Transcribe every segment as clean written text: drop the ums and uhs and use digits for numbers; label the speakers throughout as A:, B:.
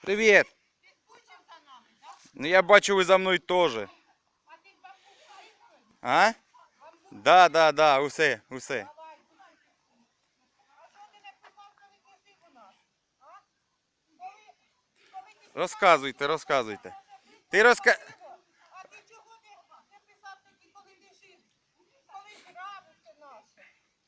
A: Привіт. Ну я бачу, ви за мною теж. А? Да, усе. Розказуйте. Ти розка...
B: А ти чого не писав тоді, коли ти жив? Коли грабився наше?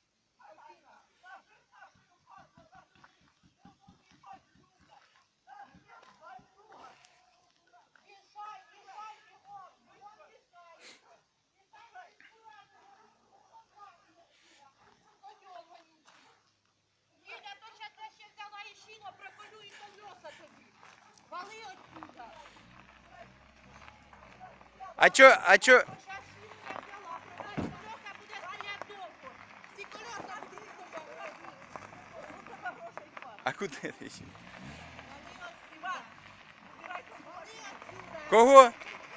B: Їля, то ще те ще взяла і шіно, проколю і колеса тобі. Вали отсюда.
A: А чо...
B: Зараз шину я взяла, продай колеса, буде стояти довго. Всі колеса будуть з тобою. Ну, тебе грошей хватить.
A: А куди ти ще?
B: Вали отсюда. Вали отсюда.
A: Кого?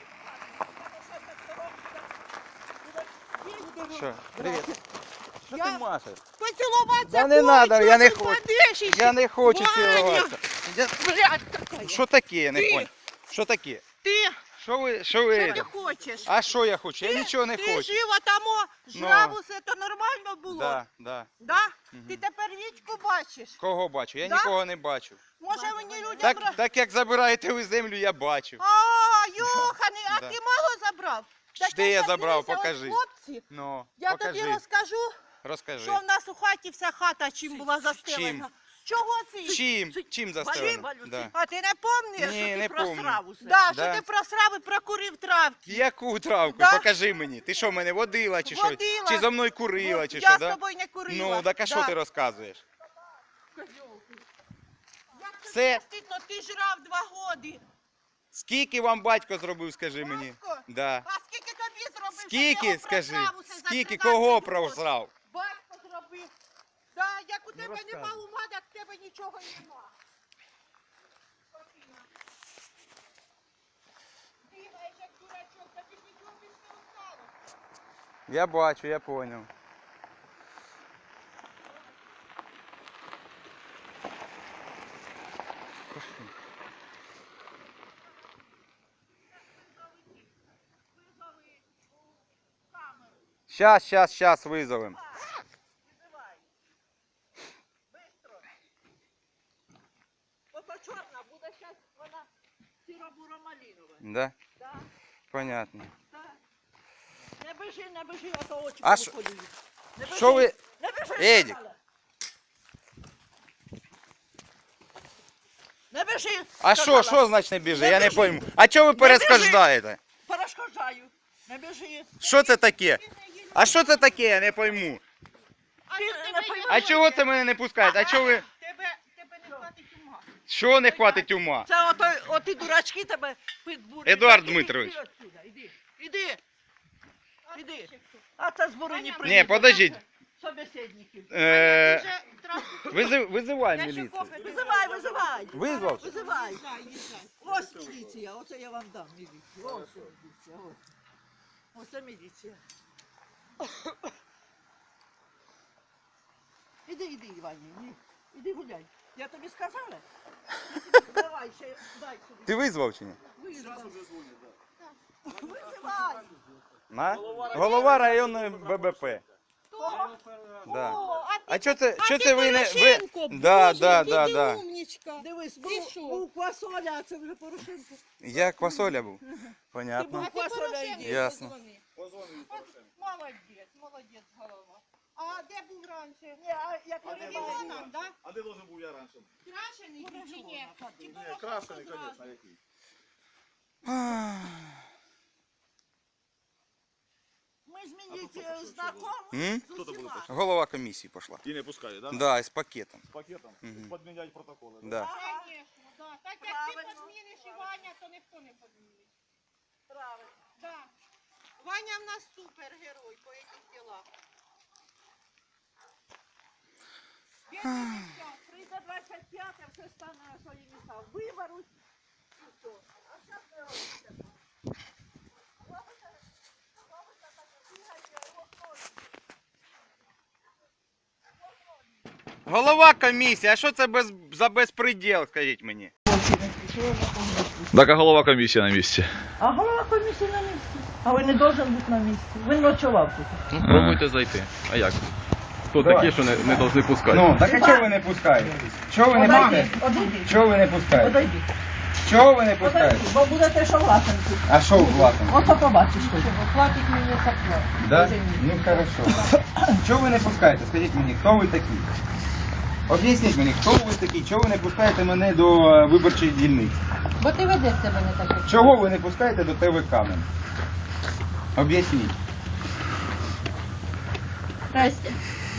A: Що? Привіт. Що ти машеш?
B: Поцілуватися
A: Да не
B: хочу,
A: надо, я не
B: ти
A: хочу.
B: подишиш.
A: Я не хочу
B: Ваня!
A: цілуватися.
B: Блядь, какая.
A: Що таке, я не
B: Ти.
A: понял. Що таке?
B: Ти,
A: Що
B: що
A: ви?
B: ти хочеш?
A: А що я хочу? Я нічого не
B: Ти
A: хочу.
B: жив, а там жрав усе, то нормально було?
A: Да.
B: Да?
A: Мгм.
B: Ти тепер річку бачиш?
A: Кого бачу? Я
B: Да?
A: нікого не бачу.
B: Може мені людям...
A: Так як забираєте ви землю, я бачу.
B: А, Йоханий, а
A: Да.
B: ти мало забрав? Так
A: Де я
B: як
A: забрав?
B: дивися, от
A: Покажи.
B: Хлопці,
A: Ну,
B: я
A: покажи.
B: тобі розкажу,
A: Розкажи.
B: що в нас у хаті вся хата чим була застелена. Чого це?
A: Чим застелено? Да.
B: А ти не пам'ятаєш?
A: Ні, не помню.
B: Да,
A: Да.
B: що ти просрав і прокурив травки.
A: Яку травку?
B: Да.
A: Покажи мені. Ти що, мене водила чи що?
B: Водила.
A: Чи зо мною курила, чи
B: Я
A: що,
B: з
A: да?
B: тобою не курила.
A: Ну, так а що
B: Да.
A: ти розказуєш?
B: Як тобі
A: Це-
B: не стидно, ти жрав 2 роки.
A: Скільки вам батько зробив, скажи мені?
B: Батько?
A: Да.
B: А скільки тобі зробив? щоб
A: Скільки,
B: його
A: скажи?
B: просрав усе за
A: Скільки?
B: 13
A: Кого
B: років?
A: просрав?
B: Батько зробив. Да, як у тебе
A: розказуй.
B: нема ума, так в тебе нічого нема. Бігаєш як дурачок, тобі ж нічого більше не осталось.
A: Я бачу, я понял.
B: Визови у камеру.
A: Щас визовем.
B: Визивай. Бистро. Ото чорна буде зараз вона сіро-буро-малінова.
A: Да?
B: Да,
A: Понятно.
B: да. Не бежи, а то очі
A: А що-
B: повиколюють. Не бежи,
A: Що ви...
B: Не бежи,
A: Едік.
B: сказала. Не бежи.
A: А
B: сказала.
A: що значить не біжи?
B: Не
A: Я не
B: біжи.
A: пойму. А чого ви перешкоджаєте?
B: Перешкоджаю. Не бежи.
A: Що це таке? А що це таке? Я не пойму.
B: Ти не поймеш.
A: А чого це мене не пускають? А чого ви...
B: Тебе не хватить ума.
A: Що не хватить ума?
B: Це оті дурачки тебе підбурюють.
A: Едуард
B: Так,
A: Дмитрович.
B: Іди отсюда, іди. А це з Бурині приїхав.
A: Ні, подождіть.
B: Собеседників.
A: Визивай міліцію.
B: Визивай.
A: Визвав?
B: Визивай. Ось міліція, оце я вам дам міліцію. Ось міліція, ось. Оце міліція. Іди, Івані, іди гуляй. Я тобі сказала? Давай, ще, дай сюди.
A: Ти визвав чи ні?
B: Визивай.
A: На? Голова районної ББП.
B: Хто?
A: Да.
B: О,
A: А що це ви не... Ви...
B: Порошенко,
A: Да.
B: умнічка. Дивись, був Квасоля, а це вже Порошенко.
A: Я Квасоля був.
B: Ти
A: Понятно.
B: був Квасоля, йди.
A: Ясно.
B: Молодець, голова. А де був раніше? Ні, а як регіоном, да?
C: А де должен був я раніше?
B: Крашений чи ні? Чи
C: Ні,
B: Порошенко
C: крашений,
B: зразу?
C: звісно, який.
B: Ми з міліцією знакомі.
A: М?
B: з усіма.
A: Голова комісії пішла.
C: І не пускає, да?
A: Да, з пакетом.
C: З пакетом?
A: Мгм.
C: Подміняти протоколи, да?
A: Да.
B: Конечно, да. Так як ти
D: Правильно.
B: подміниш і Ваня, то ніхто не подмінить.
D: Правильно.
B: Да. Ваня в нас супергерой по этих ділах.
D: Прийде 25-те, все стане на свої місця. Виберуть і все. А зараз не робиться. Робиться так, бігайте,
A: Голова комісії, а що це за безпреділ, скажіть мені?
E: Так, а голова комісії на місці.
D: А голова комісії на місці. А він не должен бути на місці. Він ночував тут.
F: Ну, пробуйте зайти. А як? Хто такі, що не повинні пускати?
A: Ну, так а чого ви не пускаєте? Чого ви не пускаєте?
D: Одійди.
A: Чого ви не пускаєте?
D: Одійди.
A: Чого ви не пускаєте?
D: Одійди. Бо будете що власенці.
A: А що у власне?
D: Ото побачиш.
B: Платить мені сапло.
A: Да? Ну хорошо. Чого ви не пускаєте? Скажіть мені, хто ви такі? Об'ясніть мені, хто ви такі? Чого ви не пускаєте мене до виборчої дільниці?
B: Бо ти ведеш себе не так.
A: Чого ви не пускаєте до ТВ Кам'ян? Об'ясніть.
B: Здрасте.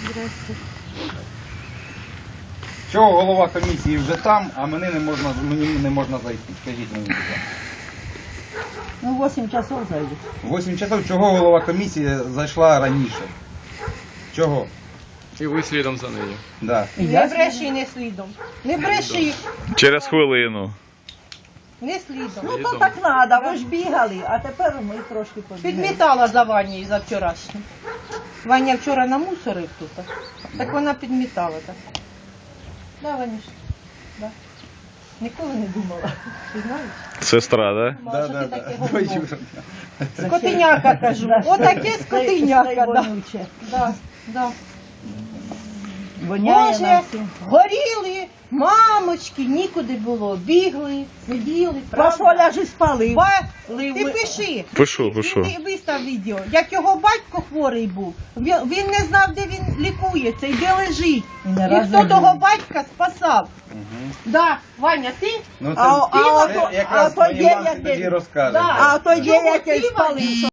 A: Чого голова комісії вже там, а мені не можна зайти? Скажіть мені, будь ласка.
D: Ну, 8 часов зайде.
A: 8 часов, чого голова комісії зайшла раніше? Чого?
F: І ви слідом за нею.
A: Да.
B: Не бреши, не слідом. Не бреши,
E: Через хвилину.
B: не слідом.
D: Ну, то так треба, ви ж бігали, а тепер ми трошки побігали.
B: Підмітала за Ванею за вчорашню. Ваня вчора намусорив тут. Так вона підмітала так. Да, Ванюш? Да. Ніколи не думала. Ти знаєш?
E: Сестра, да?
B: Думала, що ти таке говно.
A: Бачу.
B: Скотиняка, кажу. Отаке скотиняка, да.
D: Вонюче.
B: Да, да.
D: Воняє
B: Боже,
D: на всім.
B: горіли, мамочки, нікуди було. Бігли, сиділи,
D: Пошо ляжи спали.
B: Ти пиши.
E: Пишу.
B: Він вистав відео. Як його батько хворий був, він не знав, де він лікується і де лежить.
D: Не
B: І
D: раз
B: хто
D: не
B: того
D: лежить.
B: батька спасав. Да, Ваня, ти?
A: Ну
D: А
A: це
D: то-
A: якраз
D: а то
A: моїй
D: є
A: мамці
D: якесь-
A: тоді розкаже.
B: Да.
D: А то є
B: Чого
D: якесь
B: ти, Ваня?
D: спали.